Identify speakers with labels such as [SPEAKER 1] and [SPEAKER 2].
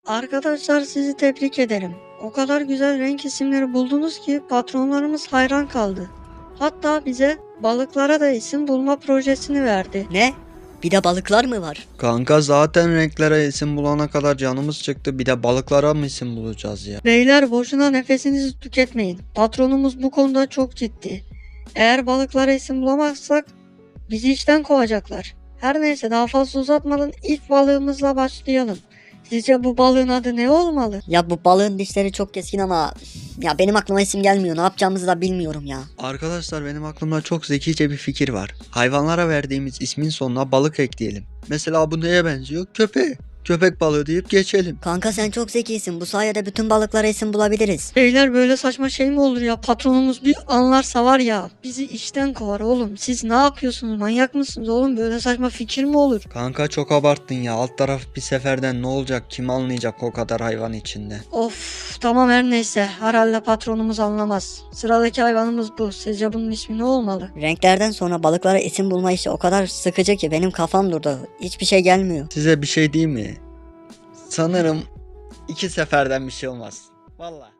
[SPEAKER 1] Arkadaşlar sizi tebrik ederim. O kadar güzel renk isimleri buldunuz ki patronlarımız hayran kaldı. Hatta bize balıklara da isim bulma projesini verdi.
[SPEAKER 2] Ne? Bir de balıklar mı var?
[SPEAKER 3] Kanka zaten renklere isim bulana kadar canımız çıktı. Bir de balıklara mı isim bulacağız ya?
[SPEAKER 1] Beyler boşuna nefesinizi tüketmeyin. Patronumuz bu konuda çok ciddi. Eğer balıklara isim bulamazsak bizi işten kovacaklar. Her neyse daha fazla uzatmadan ilk balığımızla başlayalım. Sizce bu balığın adı ne olmalı?
[SPEAKER 2] Ya bu balığın dişleri çok keskin ama ya benim aklıma isim gelmiyor. Ne yapacağımızı da bilmiyorum ya.
[SPEAKER 3] Arkadaşlar benim aklımda çok zekice bir fikir var. Hayvanlara verdiğimiz ismin sonuna balık ekleyelim. Mesela bu neye benziyor? Köpeğe. Köpek balığı deyip geçelim.
[SPEAKER 2] Kanka sen çok zekisin. Bu sayede bütün balıklara isim bulabiliriz.
[SPEAKER 1] Beyler böyle saçma şey mi olur ya? Patronumuz bir anlarsa var ya bizi işten kovar oğlum. Siz ne yapıyorsunuz? Manyak mısınız oğlum? Böyle saçma fikir mi olur?
[SPEAKER 3] Kanka çok abarttın ya. Alt taraf bir seferden ne olacak? Kim anlayacak o kadar hayvan içinde?
[SPEAKER 1] Of tamam her neyse. Herhalde patronumuz anlamaz. Sıradaki hayvanımız bu. Sizce bunun ismi ne olmalı?
[SPEAKER 2] Renklerden sonra balıklara isim bulma işi o kadar sıkıcı ki benim kafam durdu. Hiçbir şey gelmiyor.
[SPEAKER 3] Size bir şey diyeyim mi? Sanırım iki seferden bir şey olmaz. Vallahi.